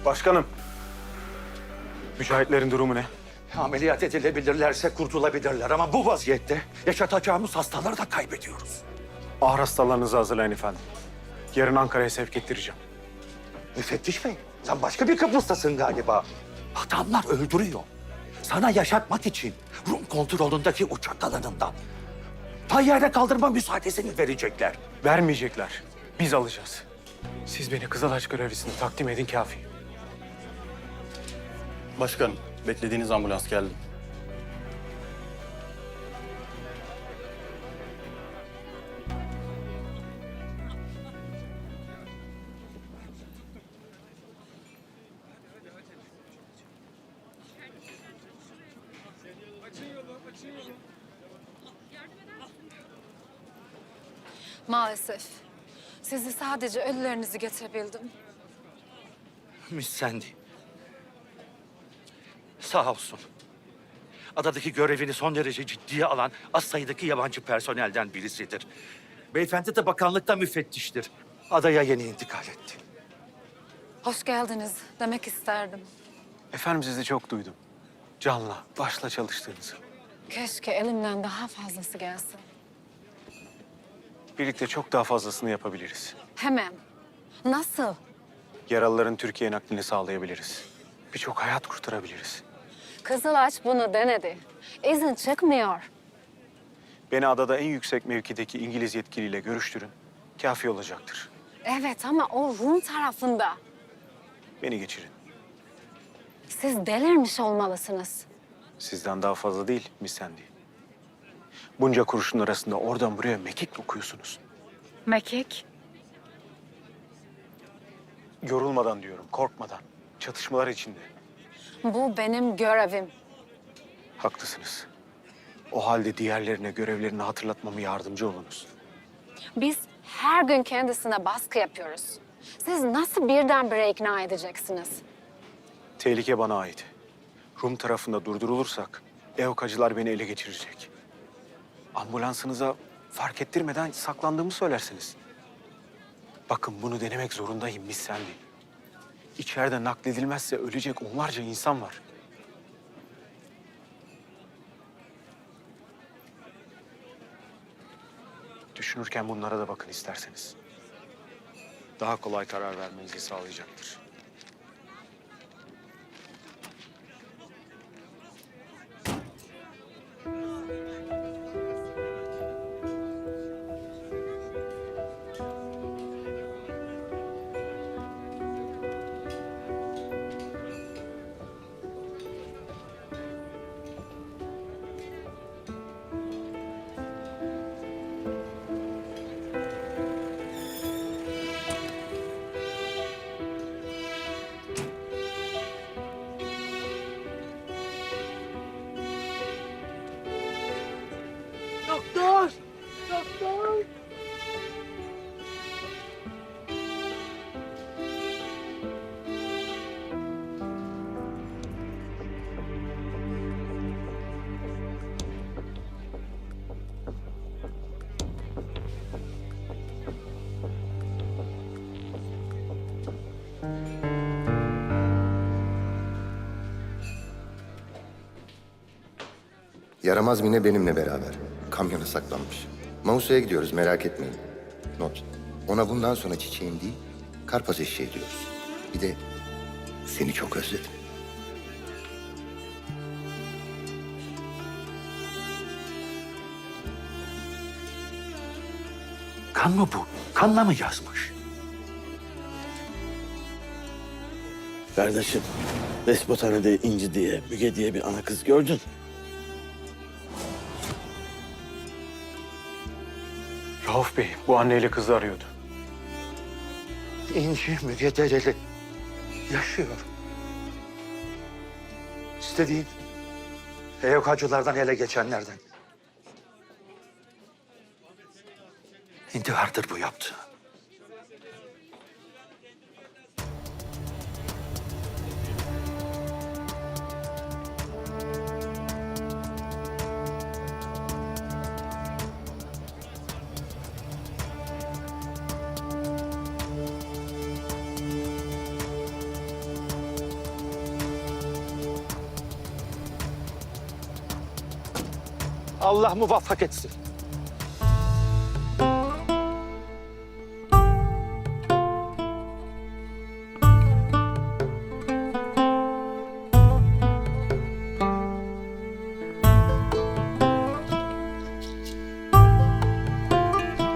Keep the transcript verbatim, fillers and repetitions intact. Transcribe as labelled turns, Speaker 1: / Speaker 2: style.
Speaker 1: Başkanım, mücahitlerin durumu ne?
Speaker 2: Ameliyat edilebilirlerse kurtulabilirler ama bu vaziyette yaşatacağımız hastaları da kaybediyoruz.
Speaker 1: Ağır hastalarınızı hazırlayın efendim. Yarın Ankara'ya sevk ettireceğim.
Speaker 2: Müfettiş Bey, sen başka bir Kıbrıs'tasın galiba. Adamlar öldürüyor. Sana yaşatmak için Rum kontrolündeki uçak alanından tayyare kaldırma müsaadesini verecekler.
Speaker 1: Vermeyecekler. Biz alacağız. Siz beni Kızılaç görevlisine takdim edin kafi.
Speaker 3: Başkanım, beklediğiniz ambulans geldi.
Speaker 4: Maalesef. Sizi sadece ölülerinizi getirebildim.
Speaker 2: Miss Sandy. Sağ olsun. Adadaki görevini son derece ciddiye alan az sayıdaki yabancı personelden birisidir. Beyefendi de bakanlıkta müfettiştir. Adaya yeni intikal etti.
Speaker 4: Hoş geldiniz demek isterdim.
Speaker 1: Efendim sizi çok duydum. Canla, başla çalıştığınızı.
Speaker 4: Keşke elimden daha fazlası gelsin.
Speaker 1: Birlikte çok daha fazlasını yapabiliriz.
Speaker 4: Hemen. Nasıl?
Speaker 1: Yaralıların Türkiye naklini sağlayabiliriz. Birçok hayat kurtarabiliriz.
Speaker 4: Kızılaç bunu denedi. İzin çıkmıyor.
Speaker 1: Beni adada en yüksek mevkideki İngiliz yetkiliyle görüştürün. Kafi olacaktır.
Speaker 4: Evet ama o Rum tarafında.
Speaker 1: Beni geçirin.
Speaker 4: Siz delirmiş olmalısınız.
Speaker 1: Sizden daha fazla değil Miss Sandy. Bunca kurşun arasında oradan buraya mekik okuyorsunuz.
Speaker 4: Mekik?
Speaker 1: Yorulmadan diyorum, korkmadan. Çatışmalar içinde.
Speaker 4: Bu benim görevim.
Speaker 1: Haklısınız. O halde diğerlerine görevlerini hatırlatmama yardımcı olunuz.
Speaker 4: Biz her gün kendisine baskı yapıyoruz. Siz nasıl birdenbire ikna edeceksiniz?
Speaker 1: Tehlike bana ait. Rum tarafında durdurulursak evkacılar beni ele geçirecek. Ambulansınıza fark ettirmeden saklandığımı söylersiniz. Bakın bunu denemek zorundayım Miss Sandy. İçeride nakledilmezse ölecek onlarca insan var. Düşünürken bunlara da bakın isterseniz. Daha kolay karar vermenizi sağlayacaktır.
Speaker 2: Doktor! Doktor!
Speaker 5: Yaramaz Mine benimle beraber. Kamyona saklanmış. Mausa'ya gidiyoruz, merak etmeyin. Not. Ona bundan sonra çiçeğim değil, karpaz eşeği diyoruz. Bir de seni çok özledim.
Speaker 2: Kan mı bu? Kanla mı yazmış?
Speaker 6: Kardeşim, Despothane'de İnci diye, Müge diye bir ana kız gördün.
Speaker 1: Rauf Bey bu anneyle kızı arıyordu.
Speaker 2: İnci Müge Dereli yaşıyor. İstediğin evkacılardan ele geçenlerden. İntihardır bu yaptığı. Allah muvaffak etsin.